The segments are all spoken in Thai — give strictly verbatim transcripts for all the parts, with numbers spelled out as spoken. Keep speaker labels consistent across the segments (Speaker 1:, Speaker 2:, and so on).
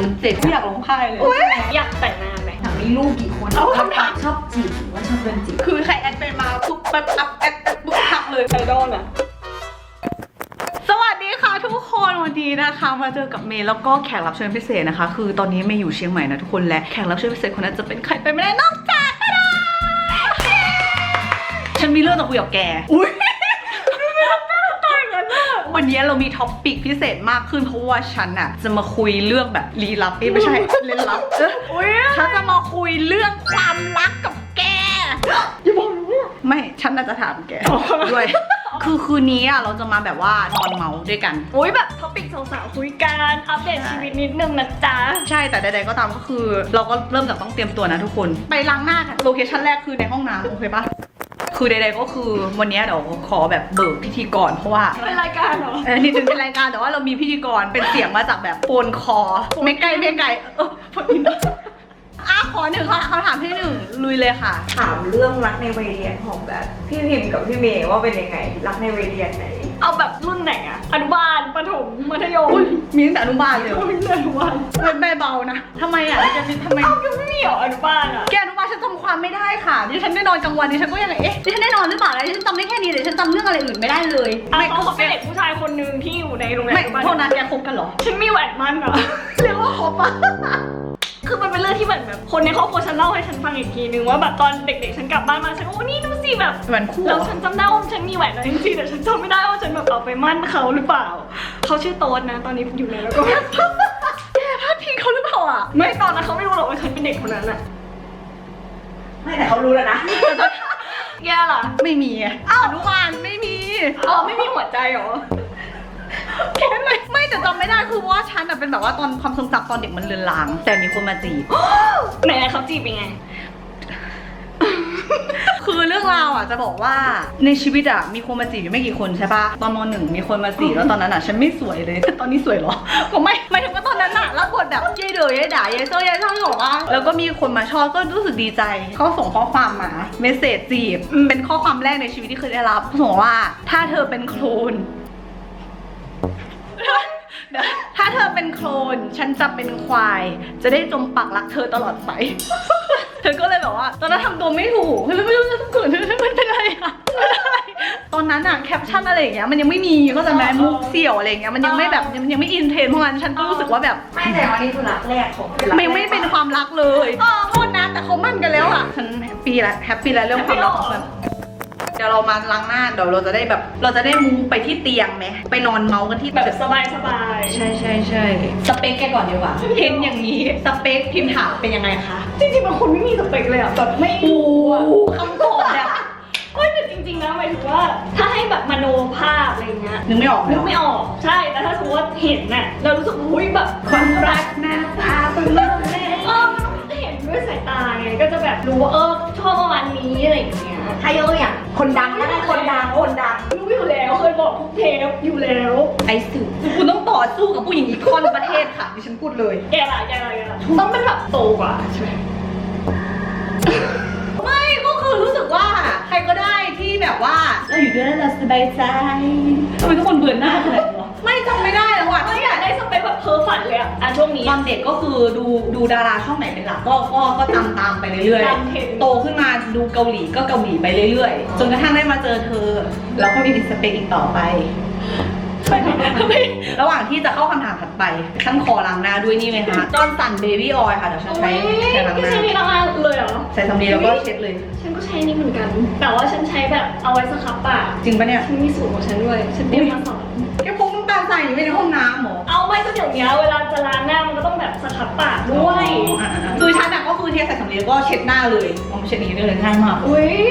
Speaker 1: มันเจ็บไม่อยากร้องไห้เลย
Speaker 2: อยากแต่งงานไหม
Speaker 1: ถามมีลูกกี่คนเอาคำถามชอบจีบหรือว่าชอบเป็นจีบคือใครแอดไปมาปุ๊บปั๊บอัพแอดปุ๊บทักเลยไอดอลอะสวัสดีค่ะทุกคนวันนี้นะคะมาเจอกับเมย์แล้วก็แขกรับเชิญพิเศษนะคะคือตอนนี้เมย์อยู่เชียงใหม่นะทุกคนและแขกรับเชิญพิเศษคนนั้นจะเป็นใครไปไม่ได้นอกจากฉันมีเรื่องจะคุยกับแกอุ้ยวันนี้เรามีท็อปปิกพิเศษมากขึ้นเพราะว่าฉันอะจะมาคุยเรื่องแบบลี้ลับไม่ใช่เล่นลับฉันจะมาคุยเรื่องความรักกับแกอย่าบอกนะไม่ฉันน่าจะถามแกด้วยคือคืนนี้อะเราจะมาแบบว่านอนเมาด้วยกัน
Speaker 2: อุ้ยแบบท็อปิกสาวๆคุยกันอัปเดตชีวิตนิดนึงนะจ๊ะ
Speaker 1: ใช่แต่ใดๆก็ตามก็คือเราก็เริ่มจากต้องเตรียมตัวนะทุกคนไปล้างหน้ากันโลเคชั่นแรกคือในห้องน้ำโอเคปะคือใดๆก็คือวันนี้เดี๋ยวขอแบบเบิกพิธีกรเพราะว่า
Speaker 2: เป็นรายการเหรอ
Speaker 1: เออนี่เป็นรายการแต่ว่าเรามีพิธีกรเป็นเสียงมาจากแบบโฟนคอไม่ไกลไม่ไกลเออพอดีนะอ่ะขอหนึ่งเขาถามที่หนึ่งลุยเลยค่ะ
Speaker 3: ถามเรื่องรักในวัยเรียนของแบบพี่พิมกับพี่เมย์ว่าเป็นยังไงรักในวัยเรียนไหน
Speaker 2: เอาแบบรุ่นไหนอะอนุบาลประถมมัธยม
Speaker 1: มีตั้งแต่อนุบาลเลย
Speaker 2: มีตั้งแต่อนุบาล
Speaker 1: เป็นแม่เบานะทำไมอ่ะแกมีทำไม
Speaker 2: เอาแกไม่มีเหรออนุบาลอะ
Speaker 1: แกอนุบาลฉันจำความไม่ได้ค่ะดิฉันได้นอนกลางวันดิฉันก็ยังเอ๊ะดิฉันได้นอนหรือเปล่าดิฉันจำได้แค่นี้ดิฉันจำเรื่องอะไรอื่นไม่ได้เลย
Speaker 2: ไม่เขาเป็นเด็กผู้ชายคนนึงที่อยู่ในโรงเรียน
Speaker 1: ไม่เท่านั้นแกคบกันเหรอ
Speaker 2: ฉันมีแหวนมั่นอะ
Speaker 1: เรียกว่าคบปะ
Speaker 2: คือมันเป็นเรื่องที่เหมือนแบบคนในครอบครัวฉันเล่าให้ฉันฟังอีกทีนึงว่าแบบตอนเด็กๆฉันกลับบ้านมาฉันโอ้นี่ดูสิแบบ
Speaker 1: แหวนคู่
Speaker 2: แล้วฉันจำได้ว่าฉันมีแหวนจริงๆแต่ฉันจำไม่ได้ว่าฉันแบบเอาไปมั่นเขาหรือเปล่าเขาชื่อโต๊ดนะตอนนี้อยู่ไหนแล้วก็
Speaker 1: แกพลาดพิงเขาหรือเปล่าอ่ะ
Speaker 2: ไม่ตอนนั้นเขาไม่รู้หรอกว่าฉันเป็นเด็กคนนั้นอะ
Speaker 3: ไม่แต่เขารู้แล้วนะ
Speaker 2: แย่ล่ะ
Speaker 1: ไม่มีอ้าวอนุบาลไม่มี
Speaker 2: อ๋อไม่มีหัวใจหรอ
Speaker 1: แค่ไม่ไม่แต่จำไม่ได้คือว่าฉันเป็นแบบว่าตอนความทรงจำตอนเด็กมันเลือนลางแต่มีคนมาจีบ
Speaker 2: ไหนเขาจีบเป็นไง
Speaker 1: คือเรื่องราวอ่ะจะบอกว่าในชีวิตอ่ะมีคนมาจีบอยู่ไม่กี่คนใช่ปะตอนม.หนึ่งมีคนมาจีบแล้วตอนนั้นอ่ะฉันไม่สวยเลยตอนนี้สวยหรอก็ไม่ไม่ถึงว่าตอนนั้นอ่ะแล้วบทแบบเย้เด๋อเย้ด่าเย้โซ่เย้ช่างหรอวะแล้วก็มีคนมาชอบก็รู้สึกดีใจเขาส่งข้อความมาเมสเสจจีบเป็นข้อความแรกในชีวิตที่เคยได้รับส่งว่าถ้าเธอเป็นโคลนถ้าเธอเป็นโคลนฉันจะเป็นควายจะได้จมปักรักเธอตลอดไปเธอก็เลยแบบว่าตอนนั้นทำตัวไม่ถูกไม่รู้จะต้องเกิดมันเป็นอะไรอะตอนนั้นอะแคปชั่นอะไรอย่างเงี้ยมันยังไม่มีก็จะแม้มุกเสี่ยวอะไรเงี้ยมันยังไม่แบบยังไม่อินเทรนเพราะงั้นฉันก็รู้สึกว่าแบบ
Speaker 3: ไม่แต่วันนี้คือรักแรกของ
Speaker 1: ไม่ไม่เป็นความรักเลยโทษนะแต่เขามั่นกันแล้วอะฉันแฮปปี้แล้วแฮปปี้แล้วเรื่องความรักของมันเดี๋ยวเรามาล้างหน้าเดี๋ยวเราจะได้แบบเราจะได้มูไปที่เตียงไหมไปนอนเมากันที่
Speaker 2: แบบสบายสบาย
Speaker 1: ใช่ใช่ใช่สเปคแกก่อนดีกว่าเห็นอย่างนี้สเปคพิมพ์ถามเป็นยังไงคะ
Speaker 2: จริงๆบางคนไม่มีสเปคเลยอ่ะแบบไม่
Speaker 1: รู้คำตอบแบบ
Speaker 2: เฮ้ยแต่จริงๆนะหมายถึงว่าถ้าให้แบบมโนภาพอะไรเงี้ย
Speaker 1: นึกไม่ออก
Speaker 2: นึกไม่ออกใช่แต่ถ้าสมมติว่าเห็นน่ะเรารู้สึกอุ้ยแบบ
Speaker 1: ความรักหน้าตาเป็นเรื่องแรก
Speaker 2: เออมันต้องเห็นด้วยสายตาไงก็จะแบบรู้ว่าเออชอบประมาณนี้อะไรอย่างเงี้ย
Speaker 3: ถ้ายกตัวอย่างคนดังก็ได้คนดังคนดัง
Speaker 2: รู้อยู่แล้วเคยบอกทุกเทปอยู่แล้ว
Speaker 1: ไอ้สื่อคุณต้องต่อสู้กับผู้หญิงอีกคนประเทศค่ะดิฉันพูดเลย
Speaker 2: แกล่ะแกล่ะแกล่ะต้องเป็นแบบโตกว่าใช่ไหม
Speaker 1: ไม่ก็คือรู้สึกว่าใครก็ได้ที่แบบว่าเราอยู่ด้วยแล้วเราสบายใจทำไมทุกคนเบื่อหน้าขนาดนี้ไม่จำไม่ได้แล้วว่ะ
Speaker 2: ไม่อยากได้สเปคแบบเพ้อฝันเลยอะอ่ะช่วงนี้
Speaker 1: ตอนเด็กก็คือดูดูดาราช่องไหนเป็นหลักก็ก็ก็ตามตามไปเรื่อยๆโตขึ้นมาดูเกาหลีก็เกาหลีไปเรื่อยๆจนกระทั่งได้มาเจอเธอแล้วก็มีสเปคอีกต่อไประหว่างที่จะเข้าคำถามถัดไปฉันขอล้างหน้าด้วยนี่ไหมคะจอนสันเบบี้ออยล์ค่ะเดี๋ยวฉันใช้ใช้ล้างหน้า
Speaker 2: ใช้นี่ล้างหน้าเลยเหรอ
Speaker 1: ใส่สำลีแล้วก็เช็ดเลย
Speaker 2: ฉันก็ใช้นี่เหมือนกันแต่ว่าฉันใช้แบบเอาไว้สครับปาก
Speaker 1: จริงปะเนี่ย
Speaker 2: ฉันมีสูตรของฉันด้วยฉันเตรียมมาสอน
Speaker 1: แกพกน้ำตาลใส่อยู่ในห้องน้ำหรอ
Speaker 2: เอาไม่ก็เดี๋ยวนี้เวลาจะล้างหน้ามันก็ต้องแบบสครับปากด้วย
Speaker 1: คือฉันอะก็คือเทใส่สำลีแล้วก็เช็ดหน้าเลยเอาเช็ดนี้ได้เลยง่ายมาก
Speaker 2: อุ้ย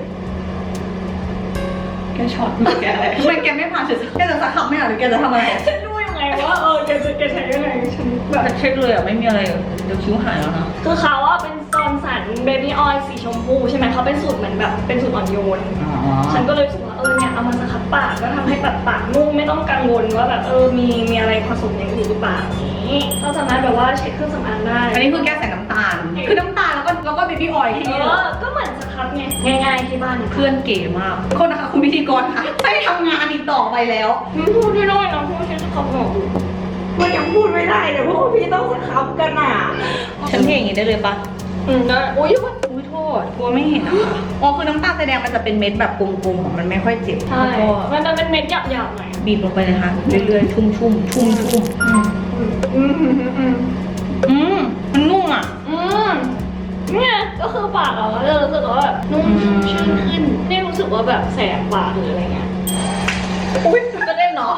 Speaker 1: แกช็อตแกอะไรทำไมแกไม่พาฉันแกจะสักคำไม่หรอหรือแกจะทำอะไร
Speaker 2: ฉันรู้ยังไงว่าเออแกจะแกใช้ยังไงฉันแบบ
Speaker 1: เช็ดเลยอะไม่มีอะไรเดี๋ยวคิ้วหายแล้วนะ
Speaker 2: คือเขาว่าเป็นจอนสันเบบี้ออยล์สีชมพูใช่ไหมเขาเป็นสูตรเหมือนแบบเป็นสูตรอ่อนโยนฉันก็เลยรู้สึกว่าเออเนี่ยเอามาสครับปากก็ทำให้แบบปากนุ่มไม่ต้องกังวลว่าแบบเออมีมีอะไรผสมอย่างอื่นหรือเปล่านี้เราสามารถแบบว่าเช็ดเครื่องสำอางได้
Speaker 1: อันนี้คือแกใส่น้ำตาลคือน้ำตาลแล้วก็แล้วก็เบบี้ออยล์ที่นี่
Speaker 2: เออก็เหมือนสครับไงง่ายๆที่บ้าน
Speaker 1: เพื่อนเก๋มากคนนะคะคุณพิธีกรค่ะไม่ทำงานอีกต่อไปแล้ว
Speaker 2: พูดได้น้อยนะพูดแค่สครับหรอก
Speaker 3: มันยังพูดไม่ได้เลยเพราะว่าพี่ต้องสครับกันอ่ะ
Speaker 1: ฉันเทอย่างนี้ได้เลยปะ
Speaker 2: อืมได้อุ้ย
Speaker 1: อุ้ยโทษกลัวไม่เห็นอะค่ะอ๋อคือน้ำตาลแสดงมันจะเป็นเม็ดแบบกลมๆมันไม่ค่อยเจ็บ
Speaker 2: ใช่
Speaker 1: แล้วก็
Speaker 2: มันจะเป็นเม็ดหยาบๆหน่อย
Speaker 1: บีบลงไปเลยค่ะเรื่อยๆชุ่มๆชุ่มชุ่มชุ่ม
Speaker 2: อืมอืมอืมอืม
Speaker 1: อืมมันนุ่มอ่ะ
Speaker 2: อืมเนี่ยก็คือปากเราก็จะรู้สึกว่าแบบนุ่ม
Speaker 1: อืม
Speaker 2: ชื้นขึ้นไม่รู้สึกว่าแบบแสบปากหรืออะไรเงี้ย
Speaker 1: อุ้ยจะเล่นเนาะ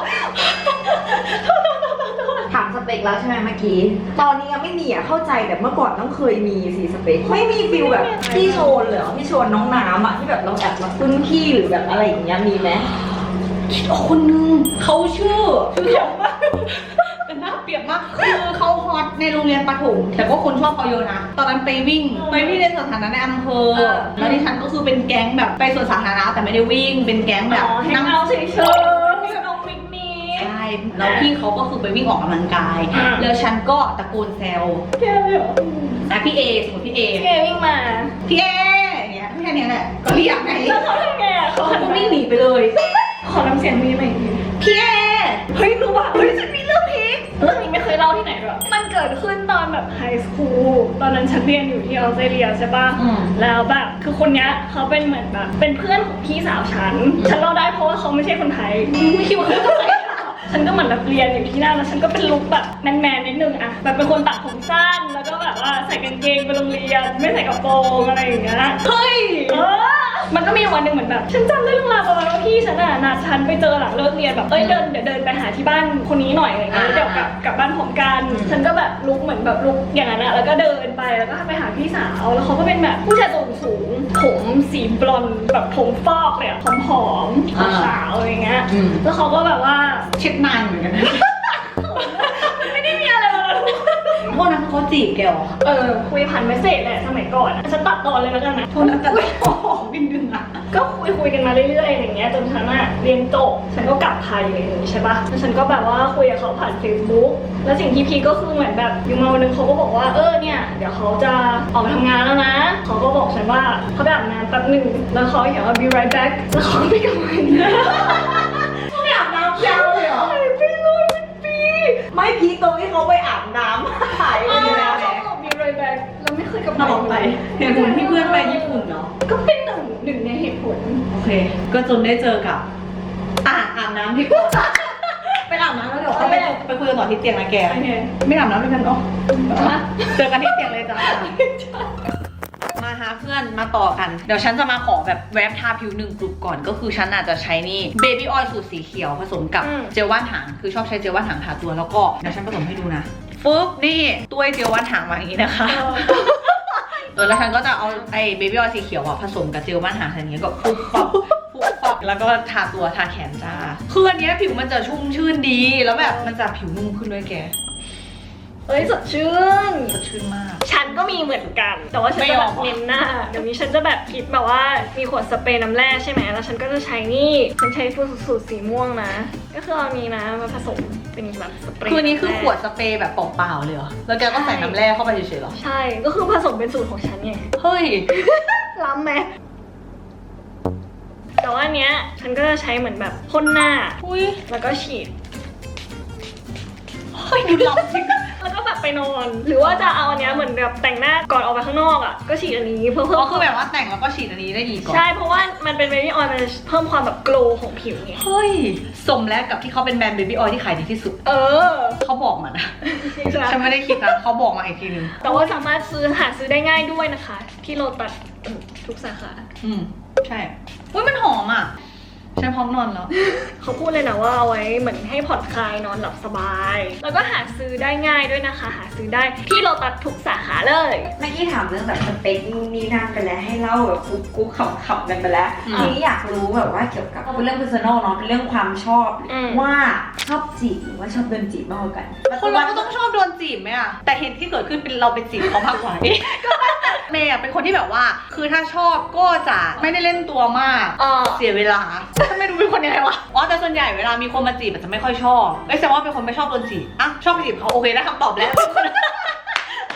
Speaker 3: ถามสเปคแล้วใช่ไหมเมื่อกี้ ตอนนี้ยังไม่มีอ่ะเข้าใจแต่เมื่อก่อนต้องเคยมีสิสเปค ไม่มีฟิลแบบพี่โชนเลยเหรอพี่โชนน้องน้ำอ่ะที่แบบเราแอบมาพึ่งพี่หรือแบบอะไรอย่างเงี้ยมีไหม
Speaker 1: คนนึงเขาชื่อชื่อเขามากเป็นหน้าเปียกมากคือเขาฮอตในโรงเรียนประถมแต่ก็คนชอบเขาเยอะนะตอนนั้นไปวิ่งไปวิ่งในสวนสาธารณะในอำเภอแล้วดิฉันก็คือเป็นแก๊งแบบไปสวนสาธารณะแต่ไม่ได้วิ่งเป็นแก๊งแบบ
Speaker 2: อ๋อให้
Speaker 1: นั่ง
Speaker 2: เราเฉยๆพี่น้องมิกมี
Speaker 1: ใช่แล้วพี่เขาก็คือไปวิ่งออกกำลังกาย
Speaker 2: อ่า
Speaker 1: แล้วฉันก็ตะโกนแซว
Speaker 2: แค่เลยเหรอ
Speaker 1: นะพี่เอสมมติพี่เอ
Speaker 2: พี่เอวิ่งมา
Speaker 1: พี่เออย่างเงี้ยแค่เนี้ยแหละก็เรียกไง
Speaker 2: แล้วเขาทำไงอ่ะเขา
Speaker 1: เขา
Speaker 2: หัน
Speaker 1: ก็
Speaker 2: มา
Speaker 1: วิ่งหนีไปเลย
Speaker 2: ขอน้ำเสียงมีไหมอีกที
Speaker 1: พี่เอเฮ้ยรู้ป่ะเฮ้ยฉันมีเรื่องพีค
Speaker 2: เรื่องนี้ไม่เคยเล่าที่ไหนหรอกมันเกิดขึ้นตอนแบบไฮสคูลตอนนั้นฉันเรียนอยู่ที่ออสเตรเลียใช่ปะ
Speaker 1: อืม
Speaker 2: แล้วแบบคือคนเนี้ยเขาเป็นเหมือนแบบเป็นเพื่อนของพี่สาวฉัน ฉันเล่าได้เพราะว่าเขาไม่ใช่คนไทยไม่คิดว่าเขาจะใส่ฉันก็เหมือนแบบเรียนอยู่ที่นั่นแล้วฉันก็เป็นลุคแบบแมนๆนิดนึงอะแบบเป็นคนตัดผมสั้นแล้วก็แบบว่าใส่กางเกงไปโรงเรียนไม่ใส่กระโปรงอะไรอย่างเงี้ย
Speaker 1: เฮ้ย
Speaker 2: เออมันก็มีวันหนึ่งเหมือนแบบฉันจำได้เรื่องราวประมาณว่าพี่ฉันอะนัดฉันไปเจอหลังเลิกเรียนแบบเอ้ยเดินเดี๋ยวเดินไปหาที่บ้านคนนี้หน่อยอะไรเงี้ยแล้วเดี๋ยวกลับกลับบ้านพร้อมกัน ฉันก็แบบลุกเหมือนแบบลุกอย่างนั้นอะแล้วก็เดินไปแล้วก็ไปหาพี่สาวแล้วเขาก็เป็นแบบผู้ชายตัวสูงผมสีบลอนด์แบบผมฟอกเลยอะผอมๆ
Speaker 1: อ่า
Speaker 2: ขาวๆอะไรเงี้ย
Speaker 1: อืม
Speaker 2: แล้วเขาก็แบบว่า
Speaker 1: เช็ดนานเหมือนกันนะ
Speaker 2: ไม่ได้มีอะไรมาเลย
Speaker 1: พวกนั้นเขาจีบแกเหรอ
Speaker 2: เออคุยผ่านเมสเซจแหละสมัยก่อนอะฉันตัดตอนเลยแล้วกันนะ
Speaker 1: พวกนั้นแต่ไม่ขอบินดึงอ่ะ
Speaker 2: ก็คุยคุยกันมาเรื่อยๆอย่างเงี้ยจนฉันอะเรียนจบฉันก็กลับไทยเลยอย่างงี้ใช่ปะแล้วฉันก็แบบว่าคุยกับเขาผ่าน Facebook แล้วสิ่งที่พีคก็คือเหมือนแบบอยู่มาวันนึงเขาก็บอกว่าเออเนี่ยเดี๋ยวเขาจะออกไปทำงานแล้วนะเขาก็บอกฉันว่าเขาไปอาบน้ำแป๊บหนึ่งแล้วเขาเขียนว่า be right back แล้วเขาก็ไม่กลับมาอีกเลย
Speaker 3: เขาไปอาบน้ำยาวเลยเหรอ
Speaker 2: หายไปเลยเป็นปี
Speaker 3: ไม่พีคตรงที่เขาไปอาบน้ำหายไป
Speaker 2: เออ
Speaker 3: เลย
Speaker 2: แล้ว
Speaker 3: นะ
Speaker 2: เขาบอก be right back แล้วไม่เคยกลับ
Speaker 1: ต
Speaker 2: มา
Speaker 1: ลอดไปเหตุผลที่เพื่อนไปญี่ปุ่นเนาะ
Speaker 2: ก็เป็นหนึ่งหนึ่งในเหตุผล
Speaker 1: โอเค ก็จนได้เจอกับ อ่ะอาบน้ำที่ก่อนไปอาบน้ำแล้วเดี๋ยวเขาไปไปคุยกันต่อที่เตียงนะแก
Speaker 2: โอเค
Speaker 1: ไม่อาบน้ำด้วยกันเนาะ
Speaker 2: ฮะ
Speaker 1: เจอกันที่เตียงเลยจ้า มาหาเพื่อนมาต่อกัน เดี๋ยวฉันจะมาขอแบบแวบทาผิวหนึ่งกลุ่มก่อน ก็คือฉันอาจจะใช้นี่เบบี้ออยล์สูตรสีเขียวผสมกับ
Speaker 2: อืม
Speaker 1: เจลว่านหาง คือชอบใช้เจลว่านหางทาตัว แล้วก็เดี๋ยวฉันผสมให้ดูนะฟึ๊บนี่ตัวเจลว่านหางมาอย่างนี้นะคะ เออแล้วฉันก็จะเอาไอ้เบบี้ออยล์สีเขียวอะผสมกับเจลบ้านหางอย่างเงี้ยก็ปุ๊บปับปุ๊บปับแล้วก็ทาตัวทาแขนจ้าคืออันเนี้ยผิวมันจะชุ่มชื่นดีแล้วแบบมันจะผิวนุ่มขึ้นด้วยแก
Speaker 2: เอ้ยสดชื่น
Speaker 1: สดชื่นมาก
Speaker 2: ฉันก็มีเหมือนกัน แต่ว่าฉัน
Speaker 1: ไม่
Speaker 2: จะ
Speaker 1: ย
Speaker 2: แบ
Speaker 1: อม
Speaker 2: บเน้นหน้า เดี๋ยวนี้ฉันจะแบบคิดแบบว่ามีขวดสเปรย์น้ำแร่ใช่ไหมแล้วฉันก็จะใช้นี่ ฉันใช้สูตรสีม่วงนะ ก็คือเอานี้นะมาผสมเป็นแบบสเปรย์
Speaker 1: คืออันนี้คือ
Speaker 2: ำแร่
Speaker 1: ขวดสเปรย์แบบเปล่าๆเลยเหรอแล้วแกก็ใส่น้ำแร่เข้าไปเฉยๆเหรอ
Speaker 2: ใช่ ก็คือผสมเป็นสูตรของฉันไง
Speaker 1: เฮ้ย
Speaker 2: ล้ำไหมแต่ว่าอันเนี้ยฉันก็จะใช้เหมือนแบบพ่นหน้า
Speaker 1: อุ้ย
Speaker 2: แล้วก็ฉีด
Speaker 1: เฮ้ยดูหลับจริง
Speaker 2: แล้วก็แบบไปนอน หรือว่าจะเอาอันเนี้ยเหมือนแบบแต่งหน้าก่อนออกไปข้างนอกอ่ะ ก็ฉีดอันนี้เพื่อเพิ่
Speaker 1: ก็
Speaker 2: ม
Speaker 1: คือแบบว่าแต่งแล้วก็ฉีดอันนี้ได้อีกก่อน
Speaker 2: ใช่ เพราะว่ามันเป็นเบบี้ออยล์มันจะเพิ่มความแบบโกลว์ของผิวไง
Speaker 1: เฮ้ยสมแล้วกับที่เขาเป็นแบรนด์เบบี้ออยล์ที่ขายดีที่สุด
Speaker 2: เออ
Speaker 1: เขาบอกมานะ
Speaker 2: จริงๆ
Speaker 1: ฉันไม่ได้คิดนะเขาบอกมาอีกทีนึง
Speaker 2: แต่ว่าสามารถซื้อหาซื้อได้ง่ายด้วยนะคะ ที่โลตัสทุกสาขา
Speaker 1: อืมใช่อุ้ยมันหอมอ่ะฉันพร้อมนอนแล้ว
Speaker 2: เขาพูดเลยนะว่าเอาไว้เหมือนให้ผ่อนคลายนอนหลับสบาย แล้วก็หาซื้อได้ง่ายด้วยนะคะ หาซื้อได้ที่โลตัสทุกสาขาเลย
Speaker 3: เมื่อกี้ถามเรื่องแบบสเปคนู่นนี่นั่นไปแล้วให้เล่าแบบกุ๊กกุ๊กขำๆกันไปแล้ว
Speaker 1: อืม
Speaker 3: ทีนี้อยากรู้แบบว่าเกี่ยวกับเป็นเรื่อง personal เนาะเป็นเรื่องความชอบ
Speaker 2: อืม
Speaker 3: ว่าชอบจีบหรือว่าชอบโดนจีบมากกว่ากัน
Speaker 1: คนเราก็ต้องชอบโดนจีบไหมอะแต่เหตุที่เกิดขึ้นเป็นเราเป็นจีบเขามากกว่า เมย์อะเป็นคนที่แบบว่า คือถ้าชอบก็จะไม่ได้เล่นตัวมาก
Speaker 2: เออ
Speaker 1: เสียเวลาทำไมดูเป็นคนยังไงวะอ๋อแต่ส่วนใหญ่เวลามีคนมาจีบอาจจะไม่ค่อยชอบไม่แสดงว่าเป็นคนไม่ชอบโดนจีบอ่ะชอบไปจีบเขาโอเคได้คำตอบแล้ว
Speaker 2: เอ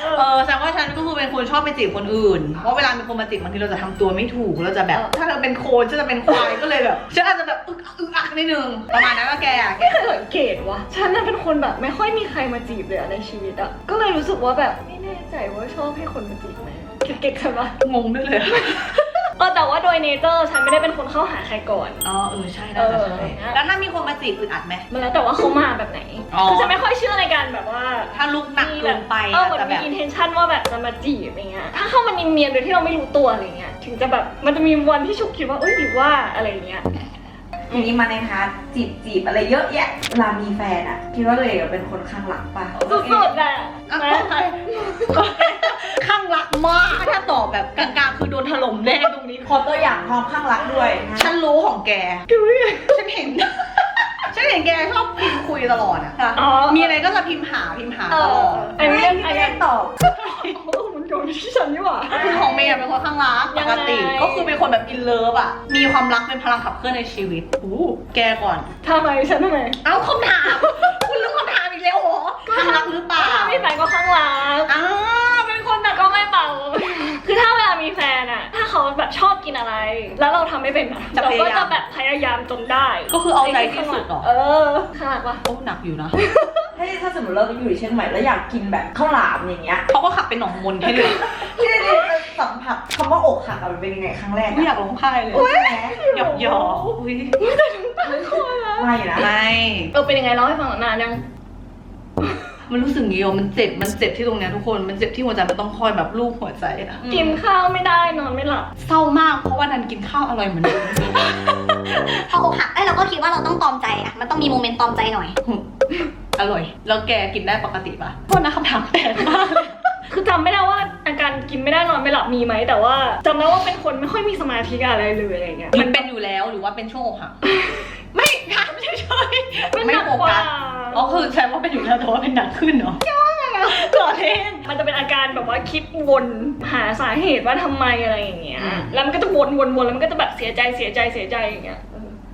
Speaker 1: เออแสดงว่าฉันก็คือเป็นคนชอบไปจีบคนอื่นเพราะเวลามีคนมาจีบบางทีเราจะทำตัวไม่ถูกเราจะแบบถ้าเราเป็นโคนฉันจะเป็นควายก็เลยแบบฉันอาจจะแบบอึกอักอึกอักนิดนึงประมาณนั้นว่าแกอะแก
Speaker 2: ไม่เคยสังเกตว่ะฉันน่ะเป็นคนแบบไม่ค่อยมีใครมาจีบเลยอะในชีวิตอะก็เลยรู้สึกว่าแบบไม่แน่ใจว่าชอบให้คนมาจีบไหมเก๊กๆใช่ปะ
Speaker 1: งงด้วยเลย
Speaker 2: เออแต่ว่าโดยเนเจอร์ฉันไม่ได้เป็นคนเข้าหาใครก่อน
Speaker 1: อ๋อเออใช่น่าจะใช่
Speaker 2: เออ
Speaker 1: แล้วถ้ามีคนมาจีบอึดอัดไหม
Speaker 2: มันแล้วแต่ว่าเขามาแบบไหน
Speaker 1: อ๋อ
Speaker 2: คือฉันไม่ค่อยเชื่อในการแบบว่า
Speaker 1: ถ้าลุกหนักเกินไป
Speaker 2: เออเหมือน
Speaker 1: แต่
Speaker 2: มี
Speaker 1: แบบ
Speaker 2: intention ว่าแบบจะมาจีบอะไรเงี้ยถ้าเข้ามาเนียนๆโดยที่เราไม่รู้ตัวอะไรเงี้ยถึงจะแบบมันจะมีวันที่ฉุกคิดว่าเอ้ยหรือว่าอะไรเงี้ย
Speaker 3: ทีนี้มาในพาร์ทจีบจีบอะไรเยอะแยะเวลามีแฟนอะคิดว่าตัวเองเป็นคนข้างหลังป่ะ
Speaker 2: สุดๆอะ
Speaker 1: อ่ะ
Speaker 2: นะ
Speaker 1: ข้างรักมากถ้าตอบแบบกลางๆคือโดนถล่มแน่ตรงนี้
Speaker 3: ขอตัวอย่างความข้างรักด้วยนะ
Speaker 1: ฉันรู้ของแกฉันเห็น ฉันเห็นแกชอบพิมพ์คุยตลอดอะค่ะ
Speaker 2: อ๋อ
Speaker 1: มีอะไรก็จะพิมพ์หาพิมพ์หา
Speaker 2: เอ
Speaker 1: ตล
Speaker 2: อ
Speaker 1: อด
Speaker 2: อัน
Speaker 3: ไม่
Speaker 2: นี้
Speaker 3: ไม่
Speaker 2: อัน
Speaker 3: ได้
Speaker 2: นี้
Speaker 3: ตอบ
Speaker 2: โอ้มันโดนที่ฉันนี่หว่า
Speaker 1: คือของเมย์เป็นคนข้างรักป
Speaker 2: ยัง
Speaker 1: ก
Speaker 2: ไง
Speaker 1: ติก็คือเป็นคนแบบอินเลิฟอะมีความรักเป็นพลังขับเคลื่อนในชีวิตอู้แกก่อน
Speaker 2: ทำไมฉันทำไม
Speaker 1: เอาคำถาม คุณรู้คำถามอีกแล้วเหรอข้างรักหรือเปล่า
Speaker 2: ถ้ามีแฟนก็ข้างรัก
Speaker 1: อ้าวเป็นคนแบบ
Speaker 2: ก็ไม่เบา คือถ้าเวลามีแฟนอะถ้าเขาแบบชอบกินอะไร แล้วเราทำไม่เป็นอะเราก็จะแบบพยายามจนได้
Speaker 1: ก็คือเอาใจที่สุดเหรอ
Speaker 2: เออข้างรักปะ
Speaker 1: โอ้หนักอยู่นะ
Speaker 3: ถ้าถ้าสมมติเราอยู่ที่เชียงใหม่แล้วอยากกินแบบข้าวหลามอย่างเงี้ย
Speaker 1: เขาก็ขับเป็นหนองมนให้เลย
Speaker 3: ที่ได้สัมผัสคำว่าอกหักอะมันเป็นยังไงครั้งแรก
Speaker 1: ไม่อยากร้องไห้เลย
Speaker 3: ใช่ไหม
Speaker 1: หยอกหยอกอุ้ย
Speaker 3: ไม่นะ
Speaker 1: ไม่
Speaker 2: เออเป็นยังไงเล่าให้ฟังหน่อยนานยัง
Speaker 1: มันรู้สึกอย่างงี้อ่ะมันเจ็บมันเจ็บที่ตรงเนี้ยทุกคนมันเจ็บที่หัวใจมันต้องคอยแบบลูบหัวใจอะ
Speaker 2: กินข้าวไม่ได้นอนไม่หลับ
Speaker 1: เศร้ามากเพราะว่านันกินข้าวอร่อยเหมือนเดิม
Speaker 4: พออกหักเอ้ยเราก็คิดว่าเราต้องตอมใจอะมันต้องมีโมเมนต์ตอมใจหน่อย
Speaker 1: อร่อย แล้วแกกินได้ปกติปะโทษนะคำถามแปลกมากเลย
Speaker 2: คือจำไม่ได้ว่าอาการกินไม่ได้นอนไม่หลับมีไหมแต่ว่าจำได้ว่าเป็นคนไม่ค่อยมีสมาธิกับอะไรเลยอะไรเงี้ย
Speaker 1: มันเป็นอยู่แล้วหรือว่าเป็นช่วงอกหัก ไม่ถามเฉยๆ
Speaker 2: มันห
Speaker 1: ไม่
Speaker 2: นัก
Speaker 1: โฟ
Speaker 2: กว่า
Speaker 1: กัสอ๋อคือแสดงว่าเป็นอยู่แล้วแต่ว่าเป็นหนักขึ้นเหรอก่อเล่น
Speaker 2: มันจะเป็นอาการแบบว่าคิดวนหาสาเหตุว่าทำไมอะไรอย่างเงี้ย
Speaker 1: อืม
Speaker 2: แล้วมันก็จะวนวนวนแล้วมันก็จะแบบเสียใจเสียใจเสียใจอย่างเงี้ย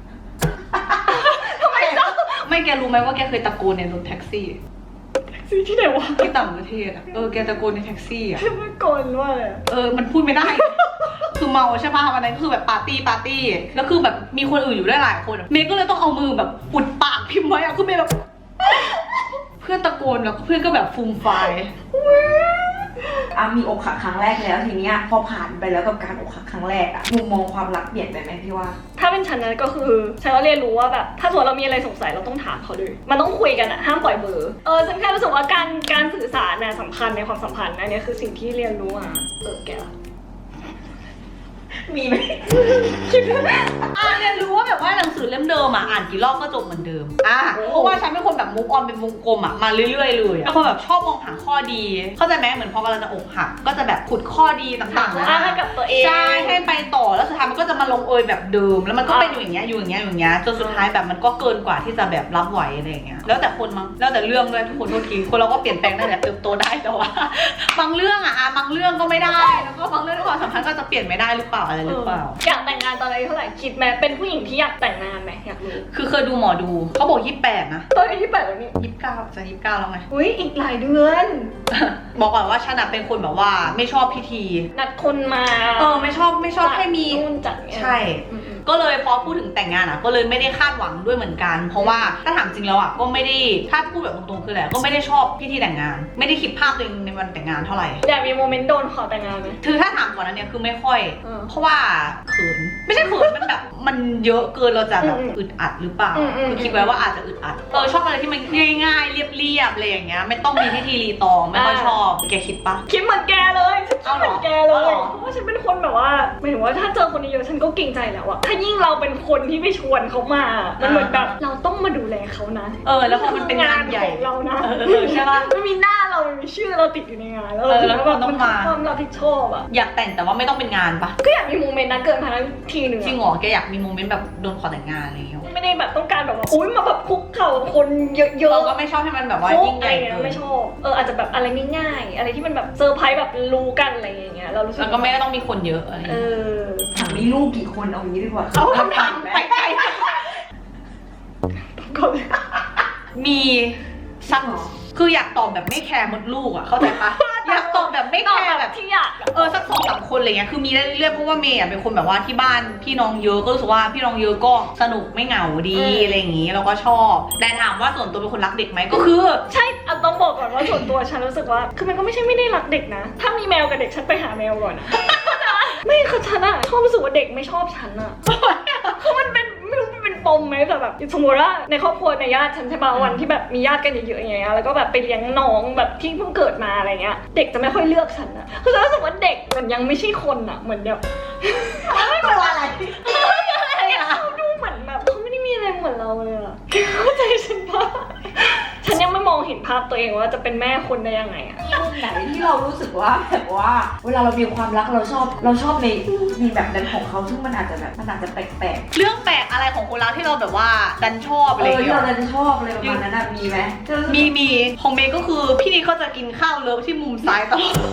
Speaker 1: ทำไมไม่แกรู้ไหมว่าแกเคยตะโกนในรถแท็กซี่
Speaker 2: ซื้อที่ไหนวะ
Speaker 1: ที่ต่างประเทศอะเออแกตะโกนในแท็กซี่อะ
Speaker 2: เมื่อก่อนว่าอะไรอะ
Speaker 1: เออมันพูดไม่ได้ คือเมาใช่ป่ะวันนั้นคือแบบปาร์ตี้ปาร์ตี้แล้วคือแบบมีคนอื่นอยู่ด้วยหลายคนอะเมย์ก็เลยต้องเอามือแบบอุดปากพิมพ์ไว้อะคือเมย์แบบ เพื่อนตะโกนแล้วเพื่อนก็แบบฟูมไฟาย
Speaker 3: อ่ะมีอกหักครั้งแรกแล้วทีเนี้ยพอผ่านไปแล้วกับการอกหักครั้งแรกอะมุมมองความรักเปลี่ยนไปไหมพี่ว่า
Speaker 2: ถ้าเป็นฉันนั้นก็คือฉันก็เรียนรู้ว่าแบบถ้าสมมติเรามีอะไรสงสัยเราต้องถามเขาด้วยมันต้องคุยกันอะห้ามปล่อยเบอร์เออฉันแค่รู้สึกว่าการการสื่อสารน่ะสำคัญในความสัมพันธ์นะเนี่ยคือสิ่งที่เรียนรู้อ่ะเออแกล่ะ
Speaker 3: มีไหม
Speaker 1: อ่านเรียนรู้ว่าแบบว่าหนังสือเล่มเดิมอ่ะอ่านกี่รอบก็จบเหมือนเดิมอ่ะเพราะว่าฉันเป็นคนแบบมุกออนเป็นวงกลมอ่ะมาเรื่อยๆเลยเป็นคนแบบชอบมองหาข้อดี เข้าใจไหมเหมือนพอกำลังจะอกหักก็จะแบบขุดข้อดีต่างๆนะ
Speaker 2: อ่ะให้กับตัวเอง
Speaker 1: ใช่ให้ไปต่อแล้วสุดท้ายมันก็จะมาลงเอยแบบเดิม แล้วมันก็เป็นอยู่อย่างเงี้ยอยู่อย่างเงี้ยอยู่อย่างเงี้ยจนสุดท้ายแบบมันก็เกินกว่าที่จะแบบรับไหวอะไรอย่างเงี้ยแล้วแต่คนมั้งแล้วแต่เรื่องด้วยทุกคนโทษทีคนเราก็เปลี่ยนแปลงได้แหละเติบโตได้แต่ว่า บางเรื่องอ่ะอ่ะบางเรื่องก็ไม่ได้แล้วก็บางเรื่องในความสัมพันธ์ก็จะเปลี่ยนไม่ได้หรือเปล่าอะไรหรือเปล่า
Speaker 2: อยากแต่งงานตอนอายุเท่าไหร่คิดไหมเป็นผู้หญิงที่อยากแต่งงานไหมอยากรู้
Speaker 1: คือเคยดูหมอดูเขาบอกยี่สิบแปดนะ
Speaker 2: ตอนอายุแปดแล้วนี่
Speaker 1: ยี่สิบเก้าจะยี่สิบเก้าแล้วไง
Speaker 2: อุ้ยอีกหลายเดือน
Speaker 1: บอกก่อนว่าฉันอะเป็นคนแบบว่าไม่ชอบพิธี
Speaker 2: นัดคนมา
Speaker 1: เออไม่ชอบไม่ชอบให้มี
Speaker 2: นู่นจัดเนี่ย
Speaker 1: ใช่
Speaker 2: อืม
Speaker 1: ก็เลยพอพูดถึงแต่งงานอ่ะก็เลยไม่ได้คาดหวังด้วยเหมือนกัน เพราะว่าถ้าถามจริงแล้วอ่ะก็ไม่ได้ถ้าพูดแบบตรงๆคือแหละก็ไม่ได้ชอบพิธีแต่งงาน ไม่ได้คิดภาพตัวเองในวันแต่งงานเท่าไหร่
Speaker 2: อยากมีโมเมนต์โดนขอแต่งงานไหม
Speaker 1: คือถ้าถามก่อนนั้นเนี่ยคือไม่ค่อย
Speaker 2: เออ
Speaker 1: เพราะว่าเขินไม่ใช่เขินมันแบบมันเยอะเกินเราจะแบบ
Speaker 2: อืม
Speaker 1: อึดอัดหรือเปล่า
Speaker 2: อืมอืม
Speaker 1: คือคิดไว้ว่าอาจจะอึดอัดเออชอบอะไรที่มันง่ายๆเรียบๆอะไรอย่างเงี้ยไม่ต้องมีพิธีรีตองไม่ค่อยชอบแกคิดปะ
Speaker 2: คิดเหมือนแกเลยฉันคิดเหมือนแกเล
Speaker 1: เอา
Speaker 2: ย
Speaker 1: เหรอ
Speaker 2: เพราะว่าฉันเป็นคนแบบว่าหมายถึงว่าถ้าเจอคนเยอะๆฉันก็เกรงใจแล้วอะถ้ายิ่งเราเป็นคนที่ไปชวนเขามา มันเหมือนแบบเราต้องมาดูแลเขานะ
Speaker 1: เออแล้วพอมันเป็นงานใหญ่
Speaker 2: ของเรานะ
Speaker 1: เออเออใช่ปะ
Speaker 2: ไม่มีหน้าเราไม่มีชื่อเราติดอยู่ในงานแล้ว
Speaker 1: เออแล้ว
Speaker 2: แบบ
Speaker 1: เราต้องมา
Speaker 2: ความรับผิดชอบอะ
Speaker 1: อยากแต่งแต่ว่าไม่ต้องเป็นงานปะ
Speaker 2: ก็อยากมีโมเมนต์นั้นเกิดมาทั้งทีหนึ่ง
Speaker 1: จริงเหรอแกอยากมีโมเมนต์แบบโดนขอแต่งงานอะไรอย่างเงี้ย
Speaker 2: ไม่ได้แบบต้องการแบบว่าอุ้ยมาแบบคุกเข่ากับคนเยอะๆ
Speaker 1: เราก็ไม่ชอบให้มันแบบว่ายิ่งใหญ่
Speaker 2: อะไรเงี้
Speaker 1: เกิน
Speaker 2: ไม่ชอบเอออาจจะแบบอะไรง่ายๆอะไรที่มันแบบเซอร์ไพรส์แบบรู้กันอะไรอย่างเงี้ยเรารู้สึก
Speaker 1: แล้วก็ไม่ต้องมีคนเยอะอะไรอย่าง
Speaker 2: เอ
Speaker 1: เงี้ย
Speaker 2: อ
Speaker 3: ถามมีลูกกี่คนเอางี้ดีกว่า
Speaker 1: เอาคำถามไปไกล
Speaker 2: ก่อนเลย
Speaker 1: มีสักคืออยากตอบแบบไม่แคร์มดลูกอ่ะเข้าใจปะอยากไม่
Speaker 2: ตอบ
Speaker 1: แค่
Speaker 2: แบ
Speaker 1: แบบ บ
Speaker 2: ที่อยากอะ
Speaker 1: เออสักสองสามคนอะไรเงี้ยคือมีได้เรื่อยๆเพราะว่าเมย์อะเป็นคนแบบว่าที่บ้านพี่น้องเยอะก็รู้สึกว่าพี่น้องเยอะก็สนุกไม่เหงาดีอะไรอย่างงี้เราก็ชอบแต่ถามว่าส่วนตัวเป็นคนรักเด็กไหมก็คือ
Speaker 2: ใช่อ่ะต้องบอกก่อนว่าส่วนตัวฉันรู้สึกว่าคือมันก็ไม่ใช่ไม่ได้รักเด็กนะถ้ามีแมวกับเด็กฉันไปหาแมวก่อนอะ ไม่คือฉันอะชอบรู้สึกว่าเด็กไม่ชอบฉันอะคือมันเป็นไม่รู้มันเป็นปมไหมแต่แบบสมมติว่าในครอบครัวในญาติฉันใช่ป่ะวันที่แบบมีญาติกันเยอะๆอย่างเงี้ยแล้วก็แบบไปเลี้ยงน้องแบบที่เพิ่งเกิดมาอะไรเงี้ยเด็กจะไม่ค่อยเลือกฉันอะคือฉันรู้สึกว่าเด็กมันยังไม่ใช่คนอะเหมือนแบบ
Speaker 3: ไม่เป็นอะไร
Speaker 2: เขาดูเหมือนแบบเขาไม่ได้มีอะไรเหมือนเราเลยอะเข้าใจฉันปะฉันยังไม่มองเห็นภาพตัวเองว่าจะเป็นแม่คนได้ยังไงอะ
Speaker 3: มีมุมไหนที่เรารู้สึกว่าแบบว่า เวลาเรามีความรักเราชอบเราชอบในมีแบบนั้นของเขาซึ่งมันอาจจะแบบมันอาจจะแปลก
Speaker 1: เรื่องแปลกอะไรของคนรักที่เราแบบว่าดันชอบ
Speaker 3: ๆ
Speaker 1: อะไร
Speaker 3: เอ
Speaker 1: อย่าง
Speaker 3: อที่
Speaker 1: เงี้
Speaker 3: เรา
Speaker 1: ย
Speaker 3: จะชอบอะไรประมาณนั้นอะมีไหม
Speaker 1: มีมีของเมย์ก็คือพี่นี่เขาจะกินข้าวเลิฟที่มุมซ้ายตลอด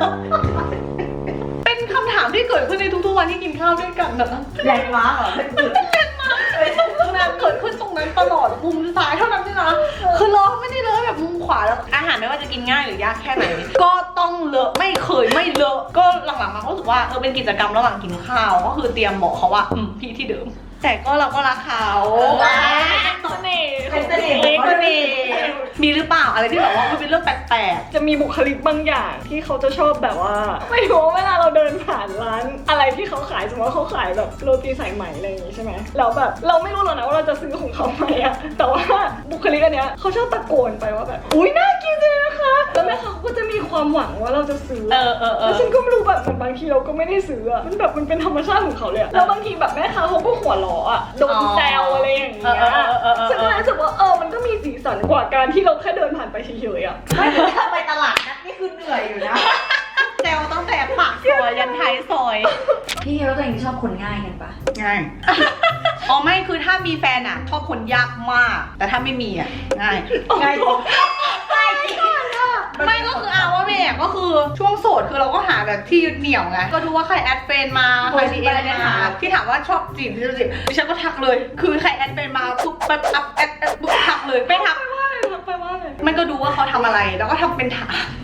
Speaker 1: เป็นคำถามที่เกิดขึ้นในทุกๆวันที่กินข้าวด้วยกันนะ
Speaker 3: แรงม้าเหรอเป็นจุด
Speaker 1: นานเกิดขึ้นตรงนั้นตลอดมุมซ้ายเท่านั้นด้วยนะคือเลอะไม่ได้เลอะแบบมุมขวาแล้วอาหารไม่ว่าจะกินง่ายหรือยากแค่ไหน ก็ต้องเลอะไม่เคยไม่เลอะก็หลังๆมาก็รู้สึกว่าเออเป็นกิจกรรมระหว่างกินข้าวก็คือเตรียมบอกเขาว่าอืมพี่ที่เดิม แต่ก็เราก็รักเขา
Speaker 2: เสน่ห์
Speaker 3: เป็นเสน่ห์ของ
Speaker 1: ก็
Speaker 3: เขา
Speaker 1: มีมีหรือเปล่าอะไรที่แบบว่ามันเป็นเรื่องแปลก
Speaker 2: จะมีบุคลิกบางอย่างที่เขาจะชอบแบบว่าไม่รู้ว่าเวลาเราเดินผ่านร้านอะไรที่เขาขายสมมติว่าเขาขายแบบโรตีสายไหมอะไรอย่างงี้ใช่ไหมแล้วแบบเราไม่รู้หรอกนะว่าเราจะซื้อของเขาไหมอะแต่ว่าบุคลิกอันเนี้ยเขาชอบตะโกนไปว่าแบบอุ้ยน่ากินเลยนะคะแล้วแม่ค้าเขาก็จะมีความหวังว่าเราจะซื้อ
Speaker 1: ๆเออเออเอ
Speaker 2: แล้ว
Speaker 1: อ
Speaker 2: ฉันก็ไม่รู้แบบเหมือนบางทีเราก็ไม่ได้ซื้ออะมันแบบมันเป็นธรรมชาติของเขาเลยอะแล้วบางทีแบบแม่ค้าเขาก็หัวเราะอะโดนแซวอะไรอย่างเงี้ย
Speaker 1: เออเออเออเออ
Speaker 2: ฉันก็เลยรู้สึกว่าเออมันก็มีสีสันกว่าการที่เราแค่เดินผ่านไปเฉยๆอะ
Speaker 3: ไม่แต่ถ้าไปตลาดนัดนี่คือเหนื่อยอยู่นะ
Speaker 1: แซวตั้งแต่ปากซอยยันท้ายซอย
Speaker 3: พี่แล้วตัวเองชอบคนง่ายกันปะ
Speaker 1: ง่าย อ๋อไม่คือถ้ามีแฟนอ่ะชอบคนยากมาก แต่ถ้าไม่มีอ่ะง่าย
Speaker 3: ง่ายจริงง่ายจริง
Speaker 1: ไม่ก็คือเอาว่าเมย์อะก็คือช่วงโสดคือเราก็หาแบบที่ยึดเหนี่ยวไงก็ดูว่าใครแอดเฟนมาใครดีเอ็นมาที่ถามว่าชอบจีบที่จะจีบดิฉันก็ทักเลย คือใครแอดเฟนมาปุ๊บแบบอัพแอดแอดปุ๊บทักเลยไม่ทัก
Speaker 2: ไปว่าเลยทักไปว่าเลย
Speaker 1: มันก็ดูว่าเขาทำอะไรแล้วก็ทำเป็นถาม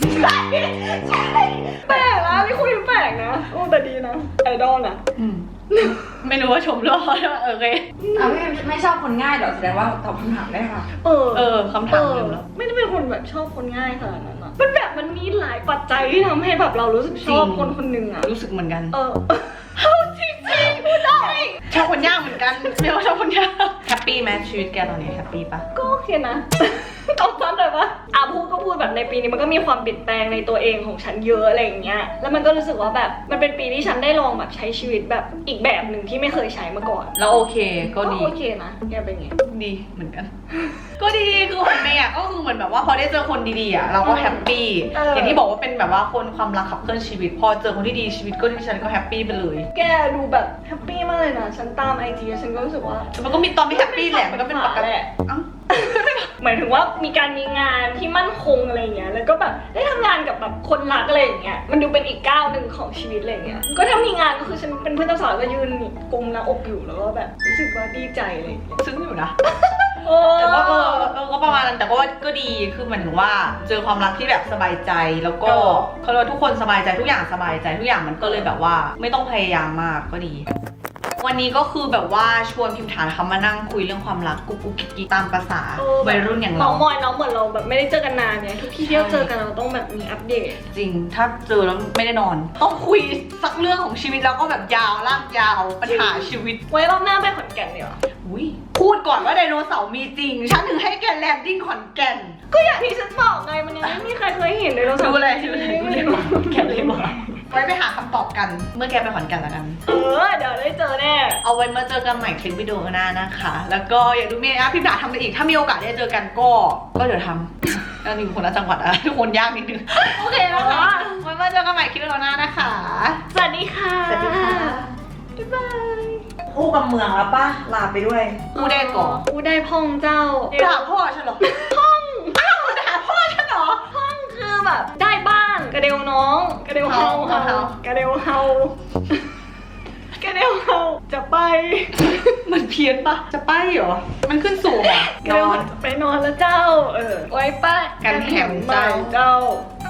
Speaker 2: แปลกนะนี่คุยแปลกนะโอ้แต่ดีนะไอดอลนะ
Speaker 1: อืมไม่รู้ว่าชมหรือเปล่าโอเค
Speaker 3: อ่ะไม่ไม่ชอบคนง่ายหรอแสดงว่าตอบคำถามได้ค่ะ
Speaker 2: เออ
Speaker 1: เออคำถามเดิมแล้ว
Speaker 2: ไม่ได้เป็นคนแบบชอบคนง่ายขนาดนั้นอะมันแบบมันมีหลายปัจจัยที่ทำให้แบบเรารู้สึกชอบ
Speaker 1: จริง
Speaker 2: คนคนหนึ่งอะ
Speaker 1: รู้สึกเหมือนกัน
Speaker 2: เออเอาจริงจริงพูดได้
Speaker 1: ชอบคนยากเหมือนกันไม่ว่าชอบคนยากแฮปปี้ไหมชีวิตแกตอนนี้แฮปปี้ปะ
Speaker 2: ก็โอเคนะ ต้องซ้ำเลยว่าอ่ะพูดก็พูดแบบในปีนี้มันก็มีความเปลี่ยนแปลงในตัวเองของฉันเยอะอะไรอย่างเงี้ย แล้วมันก็รู้สึกว่าแบบมันเป็นปีที่ฉันได้ลองแบบใช้ชีวิตแบบอีกแบบหนึ่งที่ไม่เคยใช้มาก่อน
Speaker 1: แล้วโอเคก็ดี
Speaker 2: โอเคนะแกเป็นไง
Speaker 1: ดีเหมือนกัน ก็ดีคือของเมย์อะก็คือเหมือนแบบว่าพอได้เจอคนดีๆอะเราก็แฮปปี้
Speaker 2: เออ
Speaker 1: อ
Speaker 2: อ
Speaker 1: ย่างที่บอกว่าเป็นแบบว่าคนความรักขับเคลื่อนชีวิต พอเจอคนที่ดีชีวิตก็ที่ฉันก็แฮปปี้ไปเลย
Speaker 2: แกดูแบบแฮปปี้มากเลยนะฉันตามไอจีฉันก็รู้สึกว่า
Speaker 1: แต่มันก็มีตอนไม่แฮปปี้แหละมันก็เป็นปกติ
Speaker 2: แหละ
Speaker 1: เอ้า
Speaker 2: หมายถึงว่ามีการมีงานที่มั่นคงอะไรเงี้ย แล้วก็แบบได้ทำงานกับแบบคนรักอะไรอย่างเงี้ย มันดูเป็นอีกก้าวหนึ่งของชีวิตอะไรเงี้ย ก็ถ้ามีงานก็คือฉันเป็นเพื่อนเจ้าสาวก็ยืนกุมหน้าอกอยู่แล้วก็แบบรู้สึกว่าดีใจอะไรเลย
Speaker 1: ซึ้งอยู่นะ
Speaker 2: โอ้
Speaker 1: แต่ว่าเออเออก็ประมาณนั้นแต่ก็ว่าก็ดีคือหมายถึงว่าเจอความรักที่แบบสบายใจแล้วก็เขาเรียกว่าทุกคนสบายใจทุกอย่างสบายใจทุกอย่างมันก็เลยแบบว่าไม่ต้องพยายามมากก็ดี วันนี้ก็คือแบบว่าชวนพิมพ์ฐานเขามานั่งคุยเรื่องความรักกุ๊กกุ๊กกิ๊กกิ๊กตามภาษาวัยรุ่นอย่าง
Speaker 2: น้
Speaker 1: เรา
Speaker 2: องมอยน้องเหมือนเราแบบไม่ได้เจอกันนานเนี่ยทุกที่ที่เราเจอกันเราต้องแบบมีอัปเดต
Speaker 1: จริงถ้าเจอแล้วไม่ได้นอน ต้องคุยสักเรื่องของชีวิตแล้วก็แบบยาวลากยาวปัญหาชีวิต
Speaker 2: ไว้รอบหน้าไปขอนแก่นเดี๋ยวา
Speaker 1: อุ้ยพูดก่อนว่าไดโนเสาร์มีจริงฉันถึงให้แกแลนดิ้งขอนแก่น
Speaker 2: ก็อย่างที่ฉันบอกไงมันยังไม่มีใครเคยเห็นเลยเรา
Speaker 1: ดูเลยดูเลยดูเลยแกเลยมาไว้ไปหาคำตอบกันเมื่อแกไปขอนแก่นแล้วกัน
Speaker 2: เออเดี๋ยวได้เจอแน่
Speaker 1: เอาไว้มาเจอกันใหม่คลิปวิดีโอหน้านะคะ แล้วก็อย่าดูเมย์นะพี่ด่าทำอะไรอีก ถ้ามีโอกาสได้เจอกันก็ก็เดี๋ยวทำแล้วอยู่คนละจังหวัดอะทุกคนยากนิดนึง โอเคนะคะไว้มาเจอกันใหม่คลิปวิดีโอหน้านะคะ
Speaker 2: สวัสดีค่ะ
Speaker 1: สวัสดีค่ะ
Speaker 2: บ๊ายบาย
Speaker 3: คู่กับเมืองแล้วป่ะลาไปด้วย
Speaker 1: กูได้ก่อน
Speaker 2: กูได้พ่องเจ้า
Speaker 1: ด่าพ่อฉันเหรอพ่องอ้าวด่าพ่อฉันเหรอ
Speaker 2: พ่องคือแบบได้บ้างกระเดวน้องกระเดวเฮา
Speaker 1: เฮา
Speaker 2: เฮากระเดวเฮากระเดวเฮาจะไป
Speaker 1: มันเพี้ยนปะจะไปเหรอ มันขึ้นสูงเหรอก
Speaker 2: ระเดวเฮาจะไปนอนแล้วเจ้า เออไว้ป้า
Speaker 1: กันแหม
Speaker 2: ใหม่
Speaker 1: เจ้า
Speaker 2: เจ้า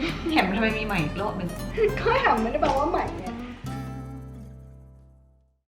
Speaker 1: แหมทำไมมีใหม่อีกรอบหนึง
Speaker 2: ก็แหมไม่ได้แปลว่าใหม่